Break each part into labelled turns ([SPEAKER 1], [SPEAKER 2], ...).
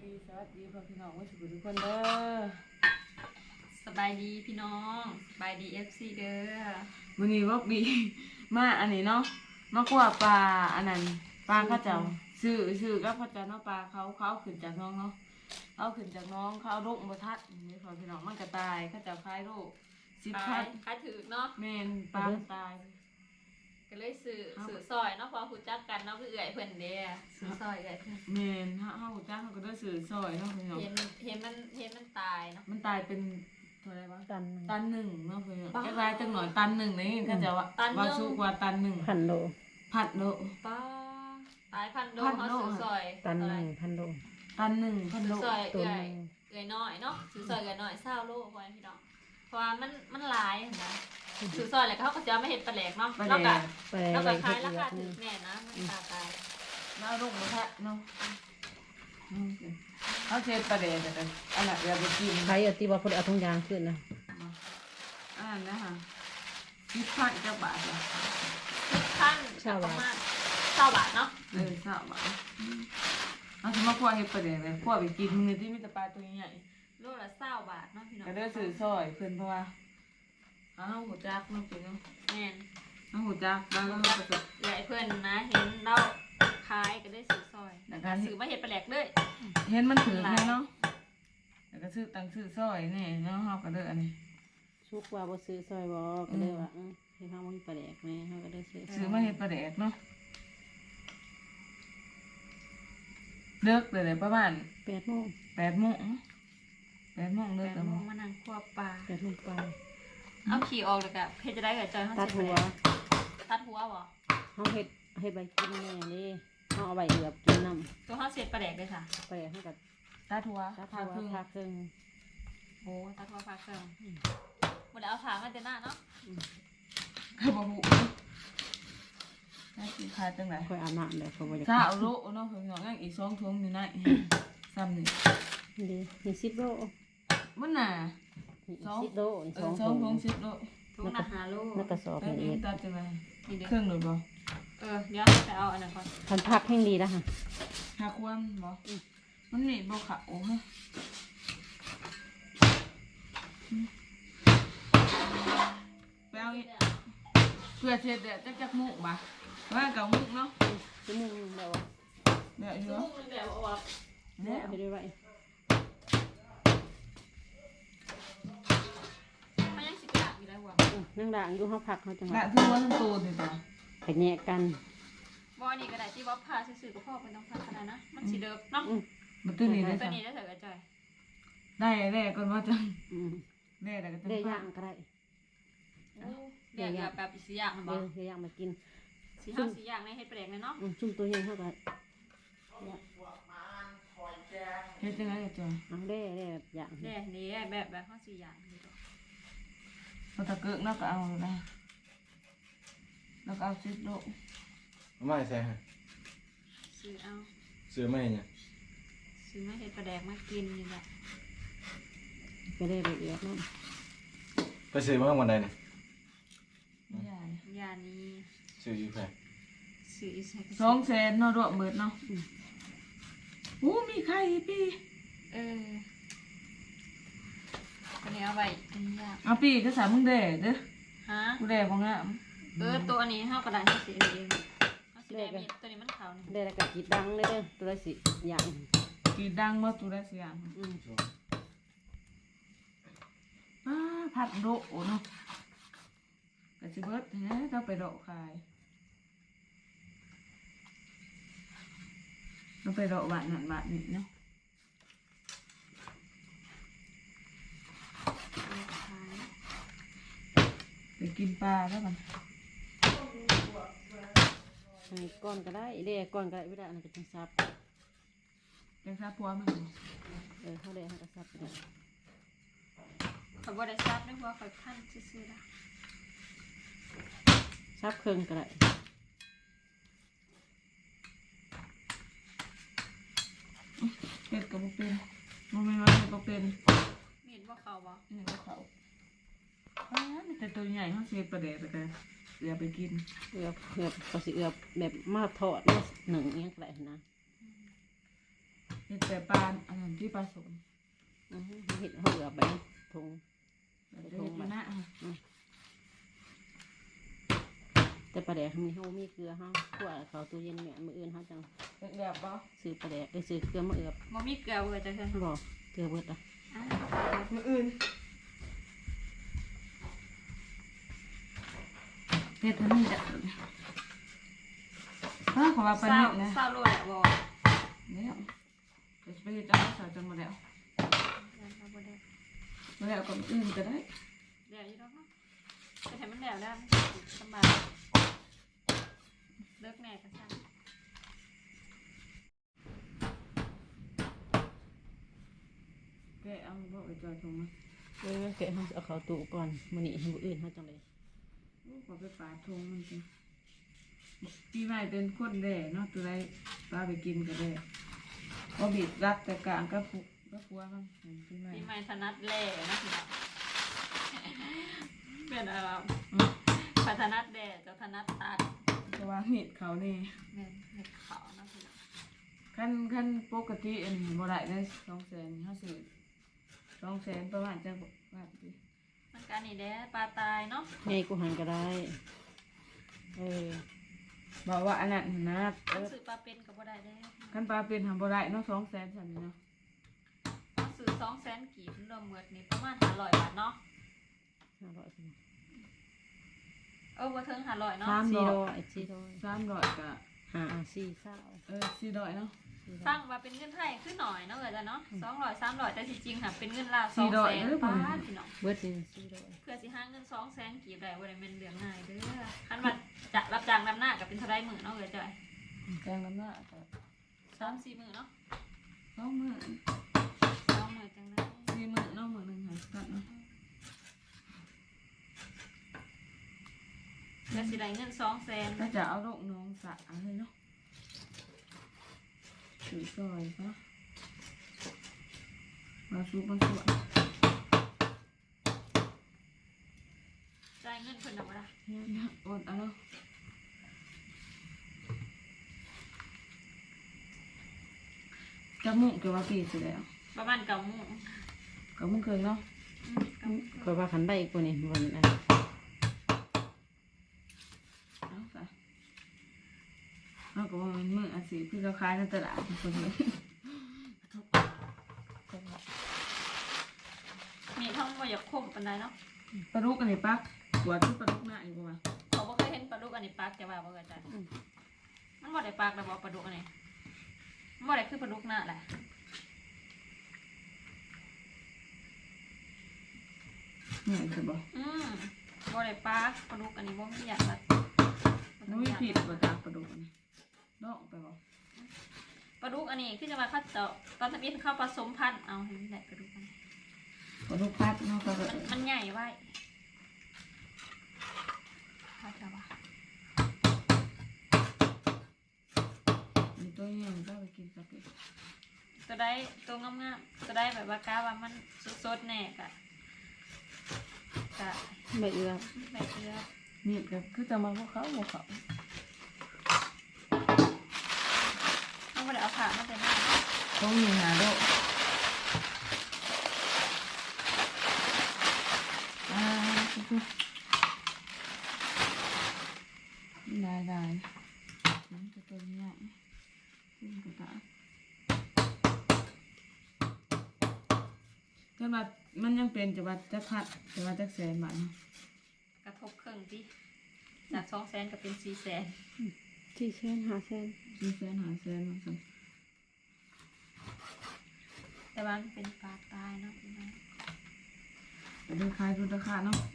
[SPEAKER 1] ดีสวัสดีพ่อพี่น้องว่าสุขทุกคนเด้อ
[SPEAKER 2] สบายดีพี่น้องสบายดีFCเด้อ
[SPEAKER 1] วันนี้ว่าบีมาอันนี้เนาะมากว่าปลาอันนั้นปลาเขาเจ้าซื้อก็เขาเจ้าเนาะปลาเขาขึ้นจากน้องเนาะเขาขึ้นจากน้องเขาโรคบ่ทัดนี่พ่อพี่น้องมันก็ตายเขาเจ้าคลายโรค10,000
[SPEAKER 2] ขายถือเนาะ
[SPEAKER 1] แม่นปลาตาย
[SPEAKER 2] ก็เลยซื้อซอยเนาะพอฮู้จักกันเนาะคือเอื้อยเพิ่นเด้ซื้อซอยเอื้อยเพิ่น
[SPEAKER 1] แม่นเฮาจ้างเขาก็ได้ซื้อซอยเนาะพี่น้อง
[SPEAKER 2] เห็นมันตายเนาะ
[SPEAKER 1] มันตายเป็นเท่าไหร่วะตันหนึ่งเนาะพี่น้อง
[SPEAKER 2] ป้า
[SPEAKER 1] แค่ไรจังหน่อยตันหนึ่งนี่เขาจะว่าสูงกว่าตันหนึ่ง
[SPEAKER 3] 1,000 โล
[SPEAKER 1] ผัดโล
[SPEAKER 2] ป้าตาย1,000 โลเฮาซื้อซอย
[SPEAKER 3] ตัน 1,000 โล
[SPEAKER 1] ตันหนึ่งพันโล
[SPEAKER 2] ซื้อซอย
[SPEAKER 3] ตัว
[SPEAKER 2] เอื้อ
[SPEAKER 3] นึ
[SPEAKER 2] ย
[SPEAKER 3] ง
[SPEAKER 2] เอื้อยน้อยเนาะซื้อซอยเอื้อยน้อย20 โลพอพี่น้องเพราะว่ามันหลายนะซื้อซอยแล้วเขาก็จะไม่เฮ็ดปลาแหลกเนาะแล้วก็
[SPEAKER 3] ไป
[SPEAKER 2] แล้ว
[SPEAKER 3] ไว้
[SPEAKER 2] ก็
[SPEAKER 3] เฮ็
[SPEAKER 2] ขาย
[SPEAKER 3] ด
[SPEAKER 2] รา
[SPEAKER 3] อีก
[SPEAKER 2] คา
[SPEAKER 3] นึ
[SPEAKER 2] ถู
[SPEAKER 3] ง
[SPEAKER 2] กแน่นะมันตาย
[SPEAKER 1] แล้วลูกมันแทะเนาะเขาเช็ดประเดี๋ยวแต่อันนั้นอย่าไปกิน
[SPEAKER 3] ใครเอาที่ว่าเพิ่นเอาถุงยางขึ้นนะ
[SPEAKER 1] อันนั้นนะคะ10,000จะบาทละ
[SPEAKER 2] ขั้นประมาณ20 บาทเนาะ
[SPEAKER 1] 20 บาทเอาสมมติว่าเฮ็ดประเดี๋ยวเลยพวกไปกินมือที่มีแต่ปลาตัวใหญ่
[SPEAKER 2] โลละ20 บาทเนาะพี่น้อง
[SPEAKER 1] ก็ได้ซื้อซอยเพิ่นเพราะว่าเอาหัวจักเนาะพี่น้อง
[SPEAKER 2] แม่น
[SPEAKER 1] เอาหัวจักแล้วก็ผสม
[SPEAKER 2] ใหญ่เพื่อนนะเห็นเราขายก็ได้ซื้อซอย
[SPEAKER 1] แล้วก็
[SPEAKER 2] ซื้อมาเห็ดปลาแหลกเลย
[SPEAKER 1] เห็นมันถือแม่เนาะแล้วก็ซื้อตังซื้อซอยนี่เนาะเฮาก็เด้ออันนี้
[SPEAKER 3] ชุกว่าบ่ซื้อซอยบ่ก็เลยว่าเฮ็ดเฮาบ่มีปลาแดกแม่เฮาก็ได้ซื้อ
[SPEAKER 1] มาเฮ็ดปลาแดกเนาะเลิกเลยประมาณ
[SPEAKER 3] 8 โมง
[SPEAKER 1] 8 โมงเลิก
[SPEAKER 2] แบ
[SPEAKER 1] แล้
[SPEAKER 2] บ
[SPEAKER 1] ว
[SPEAKER 2] มองมานั่งคั่วปลา
[SPEAKER 3] 8 โมงไป
[SPEAKER 2] เอาขี่ออกเลยกะเพชรจะได้กับจอยเขา
[SPEAKER 3] ตัด
[SPEAKER 2] เสร็จ
[SPEAKER 3] หัว
[SPEAKER 2] ตัดหัวบ่
[SPEAKER 3] เฮาเฮ็ดใบกินแม่เด้เฮาเอาใบเอือบกินน้ำ
[SPEAKER 2] ตัวเขาเสร็จปลาแหลกเลยค่ะ
[SPEAKER 3] ปลาแดกเฮาก็
[SPEAKER 1] ตาทัว
[SPEAKER 3] ตัด
[SPEAKER 1] พา
[SPEAKER 3] หัว
[SPEAKER 1] พึ่ง
[SPEAKER 3] พาครึ่ง
[SPEAKER 2] โอ้ตัดหัวปลาเครื่องหมดแล้วเอาถางกันเต็มหน้าเนาะ
[SPEAKER 1] คือบ่ฮู้ได้สิขายจังได๋
[SPEAKER 3] ค่อยอาบน้ำแล้วเขาบ่อยาก
[SPEAKER 1] ถ้าเอาโลเนาะเพิ่นเนาะยังอีก2ถุงอยู่ในซ้ำนี่
[SPEAKER 3] ดีนี่10 โล
[SPEAKER 1] มันน่ะ
[SPEAKER 3] นี่10 โลนี่
[SPEAKER 1] 2
[SPEAKER 3] 2 ถุ
[SPEAKER 1] ถุ
[SPEAKER 3] ง
[SPEAKER 1] ง10 โล
[SPEAKER 2] ทุกนาฮาโล
[SPEAKER 3] แล้วกระสอบ
[SPEAKER 1] แต่
[SPEAKER 3] นี่
[SPEAKER 1] นี่
[SPEAKER 3] เอง
[SPEAKER 1] ตัดจังได๋
[SPEAKER 2] นี่เด้
[SPEAKER 1] เครื่องหรือบ่
[SPEAKER 2] เดี๋ยวไปเอาอันนั้นก่อน
[SPEAKER 3] ทันพักแห่งดีแล้วค่ะ
[SPEAKER 1] หาความบ่มันมีบ่ขาวฮะไปเอาอีกเพื่อเช็ดเดี๋ยวจักมุกบ่ว่าเก่ามุกเนาะ
[SPEAKER 3] ชั่วโมงแล้วอ่ะ
[SPEAKER 1] เดี๋ยวอยู่
[SPEAKER 2] ลูกมันแบบว่า
[SPEAKER 3] แล้วเฮ็ดได้ไว้
[SPEAKER 2] มันยังสิกะอยู่ได้บ่
[SPEAKER 3] นั่งด่างอยู่เฮาพักเฮาจังห
[SPEAKER 1] ละ
[SPEAKER 3] วะ
[SPEAKER 1] คือว่าทั้งตัวนี่จ้ะ
[SPEAKER 3] ไปแยกกัน
[SPEAKER 2] บ่นี่ก็ได้ที่ว่าพาซื่อๆกับพ่อเป็นต้องพาขนาดนะมันสิเดิบเนาะ
[SPEAKER 1] มันตัวนี้ได้
[SPEAKER 2] ตัว
[SPEAKER 1] จ้ะ
[SPEAKER 2] นี้ได้เถอะกับจอย
[SPEAKER 1] ได้ก่อนว่าจัง
[SPEAKER 3] อืม
[SPEAKER 1] ได้แล้วก็จัง
[SPEAKER 3] ได้ย่างก็ได้
[SPEAKER 2] เรียกแบบสีอย่างมันบ
[SPEAKER 3] เดี๋
[SPEAKER 2] อย ก
[SPEAKER 3] วย่างมากิน
[SPEAKER 2] สีห้าสีอย่างในเฮ็ดแปลกเลยเนาะ
[SPEAKER 3] ซุ่มตัวเฮงเท่ากัน
[SPEAKER 1] เฮ็ดจังได๋จ้ะ
[SPEAKER 3] เอาได้แบบย่าง
[SPEAKER 2] เนี่ยนี่แบบห้าสีอย่างนี่ก็
[SPEAKER 1] พอตะเกิกเนาะก็เอาได้แล้วก็เอา10 โล
[SPEAKER 4] ไม่ใช่ฮะ
[SPEAKER 2] ซื้อเอา
[SPEAKER 4] ซื้อไม่เนี่ย
[SPEAKER 2] ซื้อมาเฮ็ดแปลกมากินนี่แหละ
[SPEAKER 3] ก็ได้ละเอียดนั่น
[SPEAKER 4] ไปซื้อมาวันใดเนี่ย
[SPEAKER 1] ใหญ่
[SPEAKER 2] ยานี้
[SPEAKER 4] ซื้ออยู่แพง
[SPEAKER 2] ซื้ออีกใส่
[SPEAKER 1] 200,000เนาะรวมเบิดเนาะมีไข่พี่
[SPEAKER 2] ตัวนี้เอาไว้อันนี้ยาก
[SPEAKER 1] เอาปีก็สามึงแด่เด้อ
[SPEAKER 2] ฮะ
[SPEAKER 1] กูแด่บ่งาม
[SPEAKER 2] ตัวนี้เฮากระดาษเฮาสิเองเฮาสิได้มีตัวนี้มันขาวนี่
[SPEAKER 3] ได้แล้วก็จิตดังเลยเด้อตัวละสิย่าง
[SPEAKER 1] กีดังบ่ตัวได้เสียงผัดโดเนาะก็สิเบิดแฮะต้องไปโดขายต้องไปโดบาทนั่นบาทนี้เนาะไปกินปลาแล้วกัน
[SPEAKER 3] ให้ก้อนก็ได้เด้ก้อนก็ได้ไม่ได้อันนั้นก็จังซับ
[SPEAKER 1] ยังซาพัวมัน
[SPEAKER 3] เฮาได้เฮาก็ซับไปได้
[SPEAKER 2] เขาบ่ได้ซับด้วยเพราะเขาคั่นซื่อๆล่ะ
[SPEAKER 3] ซับครึ่งก็ได้
[SPEAKER 1] เฮ็ดก็บ่เป็นบ่แม่นว่าเฮ็ดบ่เป็น
[SPEAKER 2] มีดบ่เข้าบ่
[SPEAKER 1] นี่ก็เขามีแต่ตัวใหญ่เฮาสิเฮ็ดปลาแดกแล้วก็เดี๋ยวไปกิน
[SPEAKER 3] เอือบก็สิเอือบแบบมาทอดมาหนึ่งอิหยังก็ได้นะ
[SPEAKER 1] เห็ดแต่ปลาอันนั้นที่ปลาสม
[SPEAKER 3] เห็ดเขาเอือบไปถุง
[SPEAKER 1] เห็ดมะนะ
[SPEAKER 3] แต่ปลาแดกมีเขามีเกลือเขาขั่วเขาตู้เย็นแม่มืออื่นเขาจัง
[SPEAKER 1] เห็ดแบบบ่
[SPEAKER 3] ซื้อปลาแดกซื้อเกลือมาเอือบ
[SPEAKER 2] บ่มีเกลือเบื่อจะเพิ่น
[SPEAKER 3] บอกเกลือเบิดอ่ะ
[SPEAKER 2] อ่ะ
[SPEAKER 1] มืออื่นเห็ดทั้งนี้จ้ะถ้าขอว่าปลา
[SPEAKER 2] เศร้า
[SPEAKER 1] เห็ดนะ
[SPEAKER 2] เศร้าโลดแหละบ่
[SPEAKER 1] เนี่ยจะไปเห็ดจ้าสาวจังมาแล้ว
[SPEAKER 2] ยังเอาบ่ได้
[SPEAKER 1] มาแล้วก็อื่นก็ได้
[SPEAKER 2] แดดอยู่ดอกเนาะจะให้มันแดดได้มันสิสบายเลิกแน่ก็ซั่น
[SPEAKER 1] แกเอาบ่ไปจอยตรงมา
[SPEAKER 3] แกะเขาเอาเขาตู้ก่อนมื้อนี้มืออื่นเขาจังเลย
[SPEAKER 1] ขอไปปาทงมันสิปีใหม่เป็นคนแด่เนาะตัวไรปลาไปกินก็ได้ก็บีบรัดแต่กลางก็ผัวมันปีใหม่
[SPEAKER 2] ปีใหม่ถนัดแล่นะพี่น้องเป็นอะไรพัฒนัดแดดเจะถนัดตัด
[SPEAKER 1] เพราะว่าเห็ดเขานี่
[SPEAKER 2] แม่นเห็ดขาวนะพี่น้อง
[SPEAKER 1] ขั้นปกติอันนี้บ่ได้ได้200,000เขาซื้อ200,000ประมาณจะบาทดิ
[SPEAKER 2] มันการนี่แด้ปลาตายเนาะ
[SPEAKER 3] ไงกูหันก็ได้
[SPEAKER 1] บอกว่าอันนั้นนะ
[SPEAKER 2] ต้องซื้อปลาเป็นก็บ่ได้เด้
[SPEAKER 1] ขั้นปลาเป็นทำบ่ได้เนาะ200,000สั่นนี่เนาะ
[SPEAKER 2] ต้องซื้อ200,000กีบรวมหมดนี่ประมาณ500 บาทเนาะ
[SPEAKER 3] 500สิ
[SPEAKER 2] บ่ถึง500เนาะ
[SPEAKER 1] 300ก็ 400เนาะ
[SPEAKER 2] สร้างมาเป็นเงินไทยขึ้นหน่อยเนาะเอ๋ยจ้ะเนาะ200 300แต่ที่จริงค่ะเป็นเงินลาว
[SPEAKER 1] 400
[SPEAKER 2] 200,000บาทพี่น้อง
[SPEAKER 3] เบิดสิ
[SPEAKER 2] เพื่อสิหาเงิน200,000กีบได้บ่ได้แม่นเรื่องง่ายเด้อคันว่าจะรับจ้างนำหน้าก็เป็นเท่าใดมื้อเนาะเอ๋ยจ้ะ
[SPEAKER 1] แกงน้ำหน้าก็
[SPEAKER 2] 3-4 มื้อเนาะ
[SPEAKER 1] 2มื้อ
[SPEAKER 2] 2 มื้อจังได๋
[SPEAKER 1] 4มื้อเนาะมื้อหนึงหาสักเนาะ
[SPEAKER 2] เพื่อสิได้เงิน200,000
[SPEAKER 1] ก็จะเอาลูกน้องสะให้เนาะถือซอยซะมาซุปมาสวย
[SPEAKER 2] จ่ายเงินเพิ่นน่ะบ่ล่ะ
[SPEAKER 1] เนี่ยอดเอาเนาะจะมุ่งเกี่ยวกับปีสิแล้ว
[SPEAKER 2] ประมาณ9:00 น
[SPEAKER 1] ก็มุ่งเคยเนาะ
[SPEAKER 3] ก็ว่าขันได้กูนี่วันนั้น
[SPEAKER 1] เอาซะเอาก็ว่ามันมืออาศิคือเราขายในตลาดคนเดียว
[SPEAKER 2] มีท่องบ่อยากคมปานใดเนาะ
[SPEAKER 1] ปลาดุกอันนี้ปักหัวที่ปลาดุกหน้าอยู่ประมาณ
[SPEAKER 2] เขาบ่เคยเห็นปลาดุกอันนี้ปากจะว่าบ่เคยจ้ะมันบ่ได้ปากแล้วบ่ปลาดุกอันนี้มันบ่ได้คือปลาดุกหน้าแหละ
[SPEAKER 1] เนี่ยจะบอก
[SPEAKER 2] บ่ได้ปากปลาดุกอันนี้บ่มีหยังละ
[SPEAKER 1] น้องผิดกว่าจากปลาดุกอันนี้ดอกไปบอก
[SPEAKER 2] ปลาดุกอันนี้คือจะมาคัดเจาะตอนทำอิฐเข้าผสมพันธุ์เอาเห็นได้ปลาดุกอันนี้
[SPEAKER 1] ปลาดุกพัดเนาะก็
[SPEAKER 2] มันใหญ่ไว้พัดแล้วว่ะ
[SPEAKER 1] มีตัวใหญ่ก็ไปกินสักที
[SPEAKER 2] ตัวได้ตัวงามๆตัวได้แบบว่ากล้าว่ามันสดๆแน่กะ
[SPEAKER 3] ใบเอือ
[SPEAKER 2] ใบเกลือ
[SPEAKER 1] นี่ก็คือจะมาพวกเขาพวกเขา
[SPEAKER 2] ต้องบ่ได้เอาผ่ามาแต่หน้า
[SPEAKER 1] ต้องมีหาโดคือได้มันจะตัวใหญ่ขึ้นกระตาแต่ว่ามันยังเป็นจะว่าจะพัดจะว่าจะแสนบาทเนาะ
[SPEAKER 2] กระทบเครื่องดิจาก200,000ก็เป็น400,000
[SPEAKER 3] 400,000 500,000
[SPEAKER 1] 400,000 500,000มาสั่ง
[SPEAKER 2] แต่ว่ามันเป็นปลาตายเนาะพี่น้อง
[SPEAKER 1] ไปดูขายดูราคาเนาะ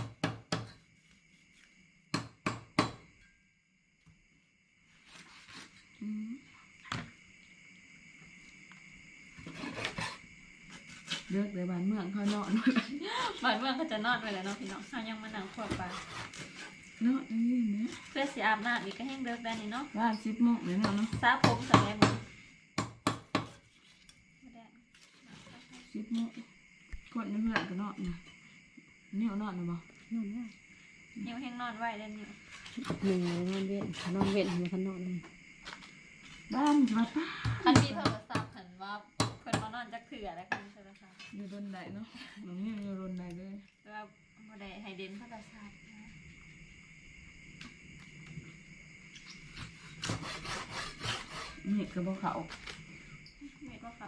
[SPEAKER 1] เลือกเลยบ้านเมืองเขาเนาะ
[SPEAKER 2] บ้านเมืองก็จะนอนไว้แล้วเนาะพี่น้องเฮายังมานั่งขวบปลา
[SPEAKER 1] เนาะนี่เนี่ย
[SPEAKER 2] เพื่อสิอาบน้ำอีกก็แห้งเลิกได้นี่เนาะ
[SPEAKER 1] บ้าน10 โมงเลยเนาะ
[SPEAKER 2] สระผมสระแม่หมดบ่ได้
[SPEAKER 1] 10 โมงกดในเพื่อนก็เนาะนะนี่เอาเนาะนะบ่
[SPEAKER 3] นอนได้
[SPEAKER 2] นิ้วแห้งนอนไว้ได้นิ้ว
[SPEAKER 3] 1นอนเว้นมันนอนเลย
[SPEAKER 1] บ้านจะมาป้า
[SPEAKER 2] คันมีโทรศัพท์หันเว้า
[SPEAKER 1] เห็ดกระบอกเขา
[SPEAKER 2] เม็ดว่าเขา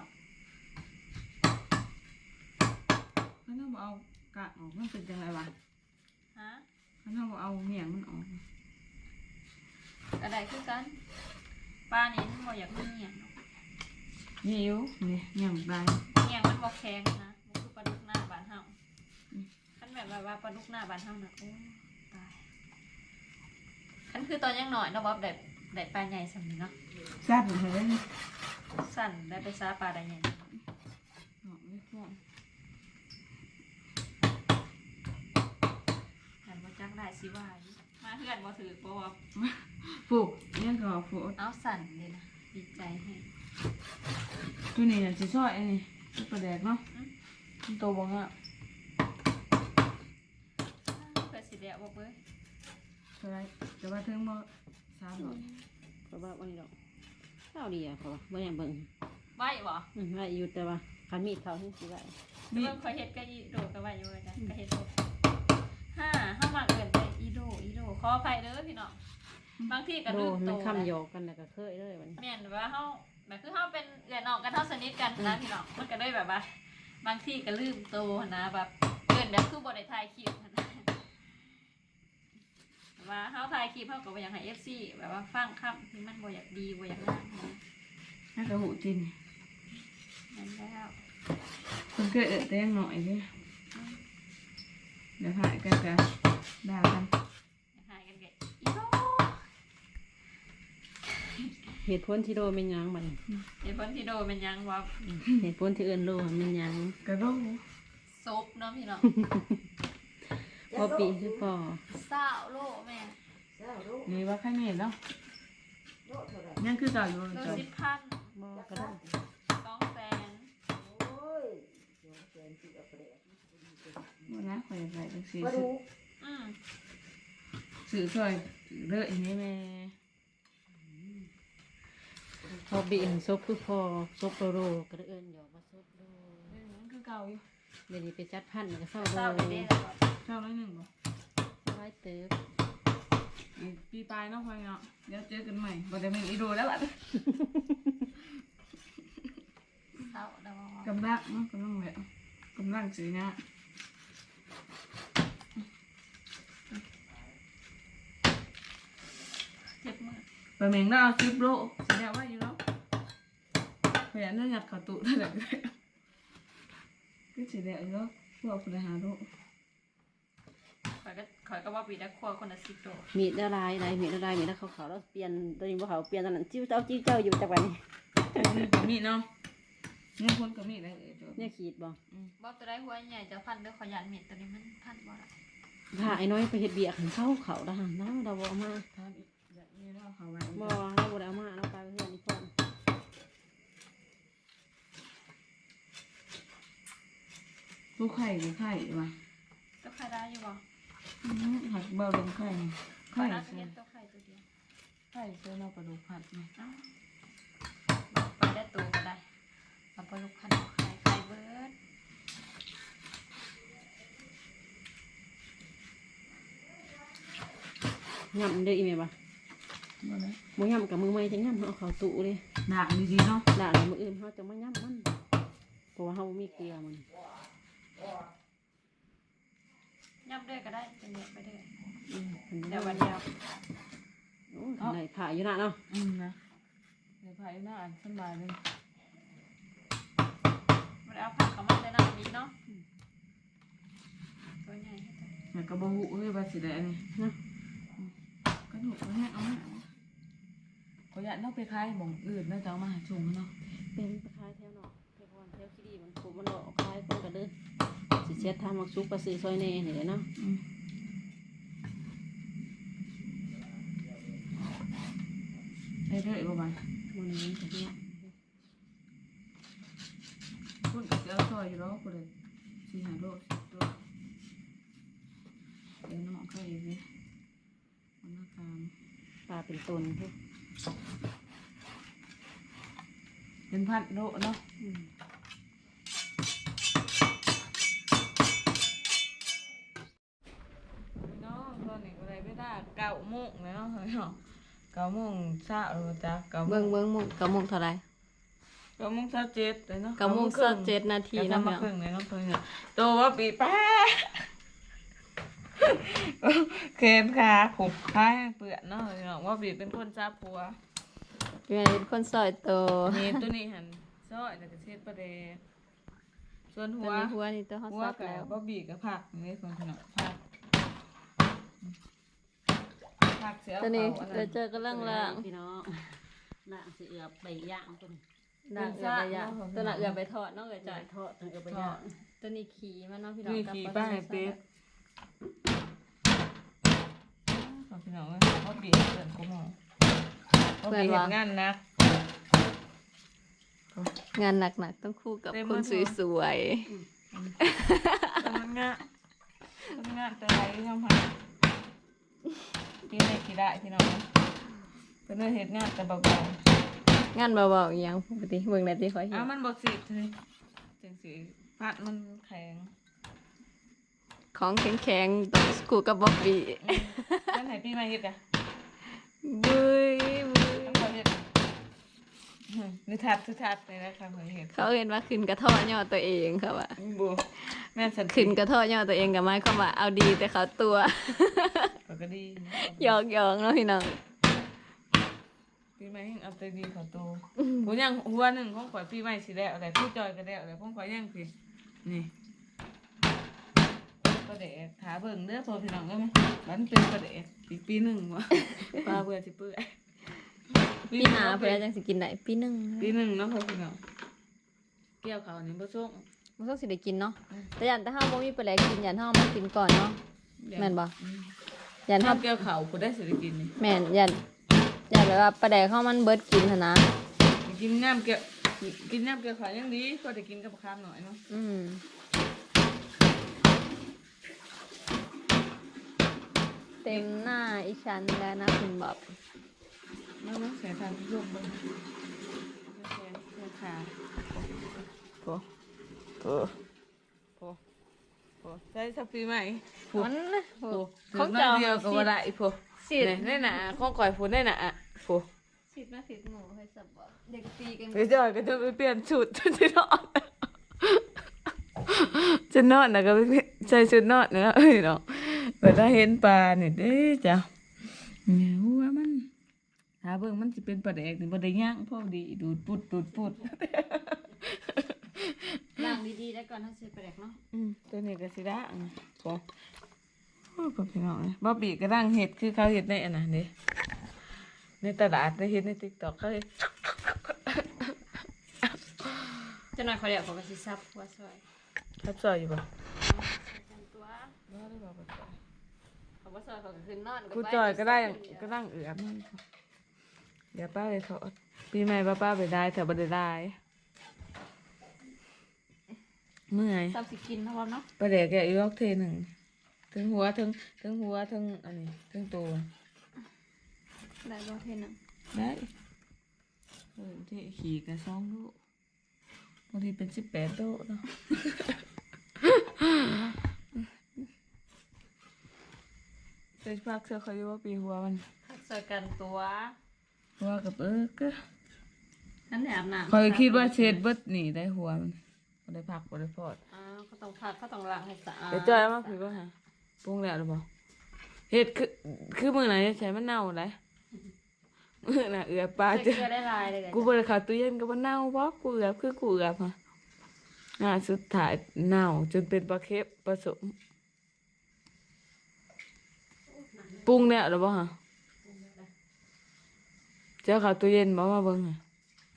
[SPEAKER 1] เขาต้องเอากากออกมันเป็นจังไรวะ
[SPEAKER 2] ฮะ
[SPEAKER 1] เขาต้องเอาเหี่ยงมันออก
[SPEAKER 2] กระไดคือกันปลานี้มันบ่อยากมีเหี่ยงเนาะ
[SPEAKER 1] นี่อยู่นี่เหี่ยงได้
[SPEAKER 2] เหี่ยงมันบ่แข็งนะมันคือปลาดุกหน้าบ้านเฮาคันแบบว่าปลาดุกหน้าบ้านเฮาน่ะโอ้ตายคันคือตอนยังหน่อยเนาะบ่ได้ปลาใหญ่สำนี้เนาะ
[SPEAKER 1] สั้นเลย
[SPEAKER 2] สั่นได้ไปซาปลาได้ใหญ่
[SPEAKER 1] ออกไม่ฟ้อง
[SPEAKER 2] หันบ่จักได้สิว่าอยู่มาเฮือนบ่ถือบ่ว่า
[SPEAKER 1] ปลูกเนี่ยก็ปลูก
[SPEAKER 2] เอาสั่นเลยนะดีใจให้
[SPEAKER 1] ตัวนี้น่ะจะช่วยอันนี้ตัวประแดกเนาะมันโตบ่ฮะ
[SPEAKER 2] เพื่อสิเดียวบ่เบ้ย
[SPEAKER 1] เท่าไรแต่ว่าถึงบ่300
[SPEAKER 3] เพราะว่าวันนี้ดอกข้าวดีอ่ะเพราะว่าบ่ยังเบิ่ง
[SPEAKER 2] ไหว้บ่
[SPEAKER 3] ว่าอยู่แต่ว่าคันมีดเขาให้สิไว้
[SPEAKER 1] นี่
[SPEAKER 2] เบิ่งข่อยเฮ็ดก็อีโดก็ไหว้อยู่นะก็เฮ็ดโดเฮามักเอิ้นไปอีโดขออภัยเด้อพี่น้องบางทีก็
[SPEAKER 3] โด
[SPEAKER 2] ลืม
[SPEAKER 3] มั
[SPEAKER 2] โต
[SPEAKER 3] นคำหยอกกันแล้วก็เคยเลยมัน
[SPEAKER 2] แม่นว่าเฮาแบบคือเฮาเป็นเอื้อนน้องกันเฮาสนิทกันนะพี่น้องมันก็เลยแบบว่า บางทีก็ลืมโตนะแบบเอิ้นแบบคือบ่ได้ถ่ายคลิปนะแบบว่าเฮาถ่ายคลิปเฮาก็บ่อยากให้ FC แบบว่าฟังคำที่มันบ่อยากดีบ่อยากงามนะ
[SPEAKER 1] น่ากระหูจิน
[SPEAKER 2] นั่นแล้ว
[SPEAKER 1] คนเกิดแต่ยังหน่อยเด้เดี๋ยวหายกันกันด่ากัน
[SPEAKER 2] หายกันแกอีโด
[SPEAKER 3] เหตุผลที่โดเป็นหยังมัน
[SPEAKER 2] เดี๋ยวเพิ่นที่โดเป็นหยังว่า
[SPEAKER 3] เหตุผลที่เอิ้นโลมันหยัง
[SPEAKER 1] กระโดด
[SPEAKER 2] ซบเนาะพี่น้อง
[SPEAKER 3] พอปีคือพอ
[SPEAKER 2] เศร้าโลแม่
[SPEAKER 1] นี่ว่าใครเม็ดเนาะยังคือเก่าอยู่
[SPEAKER 2] โล
[SPEAKER 1] จ้ะ
[SPEAKER 2] 10,000
[SPEAKER 3] บ่ก็ได้
[SPEAKER 2] 200,000
[SPEAKER 1] บ่นะข่อยอยากได้จังซี่
[SPEAKER 2] อืม
[SPEAKER 1] ซื้อซอยเด้ออีนี่แม่
[SPEAKER 3] พอบีซบคือพอซบโลก็ได้เอิ้นหยอกว่าซบโล
[SPEAKER 1] ยังคือเก่าอยู่
[SPEAKER 3] เดี๋ยวนี้ไปจัดพันธุ์ก็เศร้า
[SPEAKER 2] เศร้า
[SPEAKER 3] โล
[SPEAKER 2] ไปเด้แล้วก็
[SPEAKER 1] เจ้าน้อยหนึ่งบ่
[SPEAKER 3] ไว้เติบ
[SPEAKER 1] อีกปีปลายเนาะพ่อเนาะเดี๋ยวเจอกันใหม่บ่ได้แม่นอีโดแล้วบัด
[SPEAKER 2] เศร้าแล้วว่าก
[SPEAKER 1] ำลังเนาะกำลังแบบกำลังสินะ
[SPEAKER 2] เจ็บมือ
[SPEAKER 1] ไปแม่งได้เอา10โลสิได้ว่าอยู่เนาะขยันเนื้อหยัดเข้าตู้เท่าไหร่ก็ได้ก็สิได้อยู่เนาะพวกผู้ใดหาโล
[SPEAKER 2] ข่อยก็ว่าปีละครัวคนละ10โล
[SPEAKER 3] มีดละลายได้มีดละลายมีดละขาวๆแล้วเปลี่ยนตัวนี้บ่ขาวเปลี่ยนตอนนั้นจิ้วเจ้าอยู่จักวันนี้
[SPEAKER 1] นี่ก็มีเนาะนี่คนก็มีได้เออจ้ะ
[SPEAKER 3] เนี่ยขีดบ่
[SPEAKER 2] บ่ตัวได้หัวใหญ่จะพันเด้อขอยันเม็ดตัวนี้มันพันบ่ล่ะ
[SPEAKER 3] ถ้าไอ้น้อยไปเฮ็ดเบียร์หันเขาละหันเราบ่เอามา
[SPEAKER 1] ทานอีกแบบนี้เนาะเขาไว้
[SPEAKER 3] บ่เราบ่ได้เอามาเราไปเพื่อนอีกคน
[SPEAKER 1] ลูกไข่หรือไข่วะ
[SPEAKER 2] ตัวไข่ได้อยู่บ่
[SPEAKER 1] หักเบาลงไข่
[SPEAKER 2] ข่อ
[SPEAKER 1] ไข่
[SPEAKER 2] ยน่าจะ
[SPEAKER 1] เสื
[SPEAKER 2] เรี
[SPEAKER 1] อย
[SPEAKER 2] นตัวไข่ตัวเดียว
[SPEAKER 1] ไข่เสือเราปลาดุกผัดไหม
[SPEAKER 2] เอ้าไปได้ตัวก็ได้เอาไปลูกพันเอาไข่เบิด
[SPEAKER 3] ย่ำเด้ออีแม่บ่
[SPEAKER 1] บ่ได้
[SPEAKER 3] บ่ย่ำกับมือใหม่จังย่ำเอาเข้าตู้เลย
[SPEAKER 1] ด่างดีๆเนาะ
[SPEAKER 3] ด่าแล้วมื้ออื่นเฮาจะมาย่ำมันเพราะว่าเฮาบ่มีเกลือมัน
[SPEAKER 2] ย่ำเด้อก็ได้เป็นเม็ดไปเด้อ
[SPEAKER 3] อันนี้
[SPEAKER 2] เดี๋ยววันเดียว
[SPEAKER 3] โอ้ยได้ผ่าอยู่นะเนาะ
[SPEAKER 1] นะเดี๋ยวพายหน้าอ่านสบายเลย
[SPEAKER 2] บ่ได้เอาผักเข้ามาใส่น้ำนี้เนาะตัวใหญ่ให้ตัว
[SPEAKER 1] อยากกระบอกหูเฮ้ยบาสิได้อันนี้
[SPEAKER 3] นะ
[SPEAKER 1] กระดูกแห้งเอามาขออยากเอาไปขายหม่องอื่นแล้วจะเอามาหาชงเนาะ
[SPEAKER 3] เป็นไปขายแถวเนาะแถวพรแถวขี้ดีมันปุ๊บมันดอกขายคนก็เด้อสิเช็ดทำมักซุกก็ซื้อซอยแน่นี่แหละเนาะ
[SPEAKER 1] ได้เรื่อยประมาณ
[SPEAKER 3] บ่นี้ก็เนี่ย
[SPEAKER 1] คุณก็จะเอาซอยอยู่แล้วคุณเลยสี่หาโล10ตัวเดี๋ยวน้องก็อีกเลยวันละกาม
[SPEAKER 3] ปลาเป็นตนพวก
[SPEAKER 1] เป็นพันโลเนาะ
[SPEAKER 3] อืม
[SPEAKER 1] เนาะตอนนี้ก็ได้เวลา9 โมงแล้วเนาะ 9:00 นจ้ะ9:00
[SPEAKER 3] เบิ่
[SPEAKER 1] น
[SPEAKER 3] งมุงกับมุงเท่าไหร่
[SPEAKER 1] 9:00 น27เลยเนาะ
[SPEAKER 3] กับมุง27นาที
[SPEAKER 1] 9:00 น
[SPEAKER 3] เนาะ
[SPEAKER 1] มา
[SPEAKER 3] พี่น้อง
[SPEAKER 1] ครึ่งเลยเนาะเพิ่นเนี่ยโตว่าปีแป๊ะเคนขาผูกท้ายเปื้อนเนาะพี่น้องว่าบีเป็นคนจ้าผัว
[SPEAKER 3] เป็นคนซอยโต
[SPEAKER 1] นี่ตัวนี้หันซอยแล้วก็เช็ดประเดกส่วนหั
[SPEAKER 3] ตัว
[SPEAKER 1] ว
[SPEAKER 3] นี้หัวนี่ตัวเฮา
[SPEAKER 1] หัว
[SPEAKER 3] ซับ
[SPEAKER 1] กับ
[SPEAKER 3] แล้ว
[SPEAKER 1] บ่บีกับผักนี่คนขนาดผักเสีย
[SPEAKER 3] ตัวนี้
[SPEAKER 1] เขาอัน
[SPEAKER 3] เรา
[SPEAKER 1] นั้น
[SPEAKER 3] เจอกำลังล่างพี่น้องล่างสิเอือบไปย่างตัวนี้
[SPEAKER 1] เป็
[SPEAKER 3] ล่าง
[SPEAKER 1] น
[SPEAKER 3] เอือบ
[SPEAKER 1] ซาก
[SPEAKER 3] ไปย่าง
[SPEAKER 1] เนาะ
[SPEAKER 3] ตัวน่ะเอือบไปทอดเนาะเอ้ย
[SPEAKER 1] จ่า
[SPEAKER 3] จ้ะ
[SPEAKER 1] ยทอด
[SPEAKER 3] เอือบไปย่างตัวนี้ขี่มันเนาะพี่น้อง
[SPEAKER 1] นี่
[SPEAKER 3] กับ
[SPEAKER 1] ขี่
[SPEAKER 3] ปล
[SPEAKER 1] ป้า
[SPEAKER 3] ทู
[SPEAKER 1] ให้เป็ด
[SPEAKER 3] ซับ
[SPEAKER 1] พี่น้องเขาบีเพื่อนกูมองเขาบีเห็นงานนะ
[SPEAKER 3] งานหนักๆต้องคู่กับ
[SPEAKER 1] เต็ม
[SPEAKER 3] คน
[SPEAKER 1] หมดเลย
[SPEAKER 3] สวย
[SPEAKER 1] มันงะแต่ไรยังพังพี่ในกี่ได้พี่น้องเป็นเรื่องเหตุงานแต่เบา
[SPEAKER 3] ๆงานเบาๆอหยังปกติเบิ่งได้ที่ขอย
[SPEAKER 1] ๆ
[SPEAKER 3] เห็น
[SPEAKER 1] มันบดสิเลยจังสีพัดมันแข็ง
[SPEAKER 3] ของแข็งๆต้องคู่กับบ๊อบบี้
[SPEAKER 1] นั่นไหนพี่มาเฮ็ดอะ
[SPEAKER 3] บุยบุย
[SPEAKER 1] ต้องขอเฮ็ดนิทัศน์เลยนะคะขอเฮ็ด
[SPEAKER 3] เขาเห็นว่าขึ้นกระเทาะย่อตัวเองเขาว่า
[SPEAKER 1] บัวแม่นสัน
[SPEAKER 3] ขึ้นกระเทาะย่อตัวเองกับไม้ความว่าเอาดีแต่เขาตัว
[SPEAKER 1] ก็ดี
[SPEAKER 3] หยอกๆเนาะพี่น้อง
[SPEAKER 1] พี่มาเฮ็ดเอาแต่ดีขอโตผู้ยังหัวหนึ่งของข่อยพี่ไม่สิแล้วอะไรผู้จอยก็แล้วอะไรของข่อยยังพี่นี่ประเดกถาเบิ่งเด้อพอพี่น้องได้ไหมมันเป็นประเดกอีกปีหนึ่งวะปลาเบื่อสิเปื่อย
[SPEAKER 3] ปีหน้าเพิ่นจังสิกินได้ปีหนึง
[SPEAKER 1] ปีหนึ่งเนาะพอพี่น้องเกี่ยวเขานี่บ่ส่ง
[SPEAKER 3] มันต้องสิได้กินเนาะแต่ยันแต่เฮาบ่มีปลาแหลกกินยันเฮามากินก่อนเนาะแม่นบ่ยัน
[SPEAKER 1] ถ้า
[SPEAKER 3] เฮา
[SPEAKER 1] เกี่ยวเขาผู้ได้สิได้กินนี่
[SPEAKER 3] แม่นยันแบบว่าปลาแดกเฮามันเบิดกินหั่นนะ
[SPEAKER 1] กินน้ำเกี่ยวกินน้ำเกี่ยวเขายังดีก็ได้กินกับข้าวหน่อยเนาะ
[SPEAKER 3] เต็มหน้าอีฉันแล้วนะคุณบ๊อบ
[SPEAKER 1] น้องเสียทางที่ลูกบ้างเสียขาโผโผใช้สักปีใหม่โผ
[SPEAKER 3] มัน
[SPEAKER 1] โผ
[SPEAKER 3] ของ
[SPEAKER 1] เจ้า
[SPEAKER 3] เจ้า
[SPEAKER 1] เดียวก็ว่าได้โผ
[SPEAKER 3] สิทธิ์
[SPEAKER 1] ได้น่ะข้องก่อยฝนได้น่ะโผ
[SPEAKER 3] สิทธิ์มาสิทธิ์หนูให้สับบ่เด็กตีกัน
[SPEAKER 1] ไปจอยก็จะไปเปลี่ยนชุดจะนอนจะนอนนะก็ไปใส่ชุดนอนนะเอ้ยเนาะเปิดได้เห็นปลาเนี่ยเด้จ้ะเนี่ยว่ามันหาเบิ่งมันสิเป็นปลาแดกนี่บ่ได้ย่างพอดีดูดปุด
[SPEAKER 3] ล้างดีๆได้ก่อนถ้าสิปลาแดกเนาะ
[SPEAKER 1] ตัวนี้ก็สิได้โอ้พ่อพี่น้องบ่บีก็ดังเฮ็ดคือเขาเฮ็ดในอันนั้นเด้ในตลาดได้เฮ็ดใน TikTok เขาเฮ็ด
[SPEAKER 3] จะหน่อยขอเดี๋ยวขอไปสิซับหัวซอย
[SPEAKER 1] ทับซอยอยู่บ่
[SPEAKER 3] ตัว
[SPEAKER 1] บ่ได้บ่บ่ซอย
[SPEAKER 3] ขอบ่ซอยขอขึ้นนอน
[SPEAKER 1] กูจอยก็ได้ก็ดังเอือบมันเดี๋ยวป้าไปทอดปีใหม่ป้าไปได้แต่บ่ได้ได้เมื่อย
[SPEAKER 3] ซับสิกินเนาะเนาะ
[SPEAKER 1] ประเดี๋ยวแกอีกรอบเทหนึ่งถึงหัวถึงอันนี้ถึงตัว
[SPEAKER 3] ได้บ่เทนึง
[SPEAKER 1] ได้ที่ขี่กัน2 ลูกบางทีเป็น18 ลูกเนาะเสื้อผ้าเสื้อเขาเรียกว่าปีหัวมัน
[SPEAKER 3] ซอยกันตัว
[SPEAKER 1] หัวกับก็
[SPEAKER 3] นั่นแหละอาบน้ำ
[SPEAKER 1] คอยคิดว่าเช็ดเบิดหนีได้หัวมันบ่ได้พักบ่ได้พอด
[SPEAKER 3] เขาต้องพักเขาต้องล้างให้สะอาด
[SPEAKER 1] เดี๋ยวจอยมาคุยว่าฮะปรุงแล้วหรือเปล่าเฮ็ดคือมื้อไหนจะใช้มันเน่าได้มื้อน่ะเอือบปลา
[SPEAKER 3] ใส่
[SPEAKER 1] จะ
[SPEAKER 3] เกลือได้ลายเลย
[SPEAKER 1] กูบ่ได้เข้าตู้เย็นก็บ่เน่าบ่กูเอือบคือกูเอือบฮะสุดท้ายเน่าจนเป็นปลาเค็มผสมปรุงแล้วหรือเปล่าฮะเจ้าเข้าตู้เย็นบ่มาเบิ่งฮะ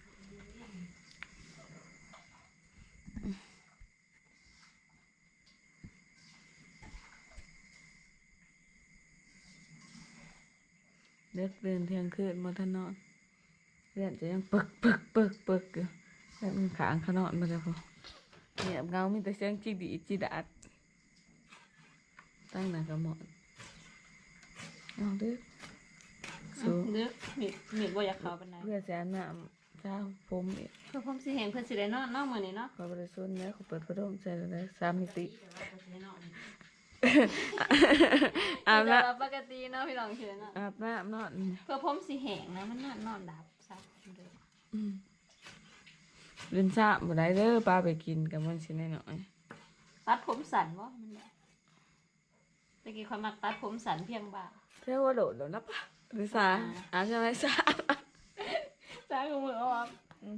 [SPEAKER 1] เด็กเดินเที่ยงคืนมาทันนอนเรียนจะยังปึกอยู่แล้วมันขางเขานอนมาแล้วพอเงียบเงามีแต่เสียงจีดีจีดาดตั้งหน้ากระหม่อมเอาเด้อสูง
[SPEAKER 3] เลือกมีบ่อยากเข้าปานใด
[SPEAKER 1] เพื่อจะน้ำเช้าผมอีก
[SPEAKER 3] เพื่อผมสิเห็นเพิ่นสิได้นอนมื้อนี้เนาะ
[SPEAKER 1] ขอบริสุทธิ์เนี่ยเขาเปิดพัดลมใส่เลย3 มิติอาบ
[SPEAKER 2] แล้
[SPEAKER 1] น้
[SPEAKER 2] ปกติเนาะพี่น้องเชื่อเนาะ
[SPEAKER 1] ำอาบน้ำนอน
[SPEAKER 2] เพื่อผมสิแห้งนะมันนอนดับซะเลย
[SPEAKER 1] เล่นซ่าบ่ได้เด้อปลาไปกินกับมันสิน้อย
[SPEAKER 2] ตัดผมสันวะมันเนี่ยตะกี้ความมักตัดผมสันเพียงบ่า
[SPEAKER 1] ๆเท่ว่าโดดแล้วนะปะหรือซ่าอาบใช่ไหมซ่า
[SPEAKER 2] จ้าของมือเอาอ่ะ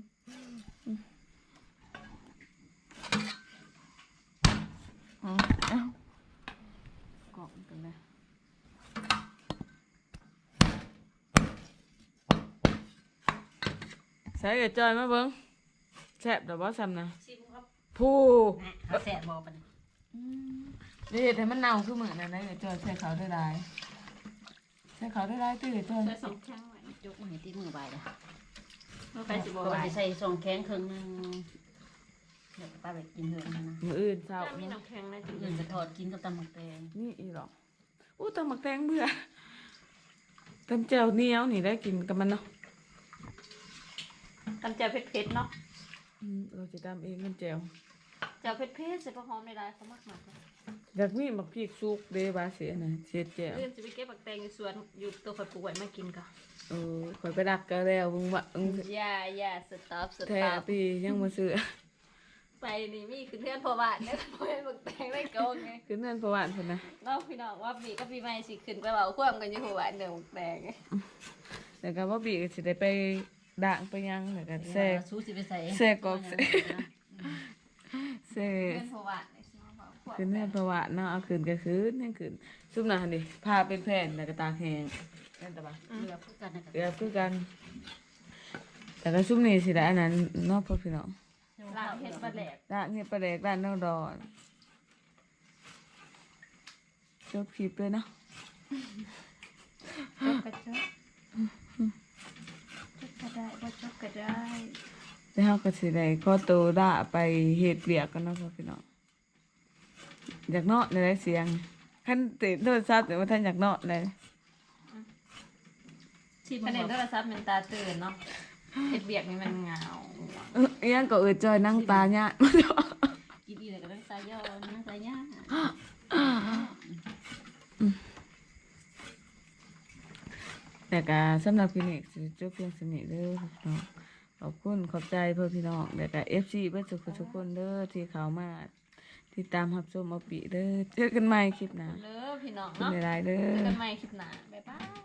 [SPEAKER 1] เอ้ากล่องกันเลยใส่กระจอยมาเบิ่งแซ่บดอกบ่ซ้ำนะ
[SPEAKER 2] ชิมครับ
[SPEAKER 1] ผู้
[SPEAKER 2] เขาแสบบอกปัน
[SPEAKER 1] นี่แต่มันเน่าคือเหมือนอะไรกระจอยใส่เขาได้หลายใส่เขาได้หลายตื้อกระจอย
[SPEAKER 2] ใส่สองแข้งไว้
[SPEAKER 3] ยกมาให้ที่มือใบละ
[SPEAKER 2] เมื่อไปสิบ
[SPEAKER 3] ก็
[SPEAKER 2] บาท
[SPEAKER 3] จะใส่ซองแข้งครึ่งหนึงเดี๋ยวป้าไปกินเถอะนะ
[SPEAKER 1] มืออื่นเช้า
[SPEAKER 2] ถ้ามีน้ำแข็งนะจุ๊
[SPEAKER 3] อื่นไปทอดกินกับตำหมักแตง
[SPEAKER 1] นี่อีหรอกอู้ตำหมักแตงเบื่อตำแจ่วเหนียวนี่ได้กินกับมันเนาะ
[SPEAKER 2] ตำแจ่วเผ็ดๆเนาะ
[SPEAKER 1] เราจะตำเองมันแจ่ว
[SPEAKER 2] แจ่วเผ็ดๆใส่ผักหอมในลายเขามากมากเลย
[SPEAKER 1] อยากมีหมักพริกสุกเด้บาเสียนะเสียแจ่ว
[SPEAKER 2] เรื่องจะไปเก็บผักแตงอยู่สวนอยู่ตัวข่อยปลูกไว้มากินก่อน
[SPEAKER 1] ข่อยไปดักก็แล้วมึงว่า
[SPEAKER 2] อย่าสต็อปส
[SPEAKER 1] แท้
[SPEAKER 2] ต็อป
[SPEAKER 1] ตียังมาซื้อ
[SPEAKER 2] ไปนี่มีคือเพื่อนพอบ้านเนี่ยพอเห็นผักแตงได้โกงไง
[SPEAKER 1] คือนั่นประวัติคนนะ
[SPEAKER 2] เนาะพี่น้องว่าปีก็ปีใหม่สิขึ้นไปเบาควมกันอยู่หัวเดิมแดง
[SPEAKER 1] แต่ก็ว่าบีก็สิได้ไปด่างไปยังแล้วก็แซ่
[SPEAKER 3] สู้สิไปใส่
[SPEAKER 1] แซ่กอกแซ่ แซ่
[SPEAKER 2] เพื่อนพอบ้านเนี่ยสิมาเบาควม
[SPEAKER 1] คือนั่นประวัติเนาะเอาคืนก็คืนนั่นคืนซุปหนาดิพาเป็นแผ่นแล้วก็ตากแห้งนั่นแต่ว่า
[SPEAKER 3] เรือพูดกันนะ
[SPEAKER 1] เรียบคือกัน แต่ก็ซุปนี้สิได้อันนั้นเนาะพ่อพี่น้อง
[SPEAKER 2] ล้างเห็ดปลาแหลก
[SPEAKER 1] ด่างเฮ็ดปลาแดกด่านนอกดอนจบคลิปเลยเนาะ
[SPEAKER 2] จบกระจกจบก็ได้บ่จบก็ได้
[SPEAKER 1] แล้วเราก็สิได้ขอตัวด่าไปเฮ็ดเวียกกันเนาะพ่อพี่น้องอยากเนาะในได้เสียงคันติดโทรศัพท์แต่ว่าท่านอยากเนาะเลย
[SPEAKER 2] คะแนนโทรศัพท์มันตาตื่นเนาะเห็ดเบียกนี่มันเหงา
[SPEAKER 1] อิหยังก็จอยนั่งตาเนี่ย
[SPEAKER 3] กินอีเลยก็ต้องใส่ย่อนะใส่ย่า
[SPEAKER 1] แต่ก็สำหรับคลินิกสิจบเพียงสนิทเด้อพี่น้องขอบคุณขอบใจเพื่อพี่น้องแต่ก็ FC เพื่อทุกคนเด้อที่เข้ามาติดตามรับชมเอาปีเด้อเจอกันใหม่คลิปหน้า
[SPEAKER 2] เด้อพี่น้อง
[SPEAKER 1] เป็น
[SPEAKER 2] เนาะ
[SPEAKER 1] ไรเด้
[SPEAKER 2] เจอ
[SPEAKER 1] อ
[SPEAKER 2] กันใหม่คลิปหน้าบ๊ายบาย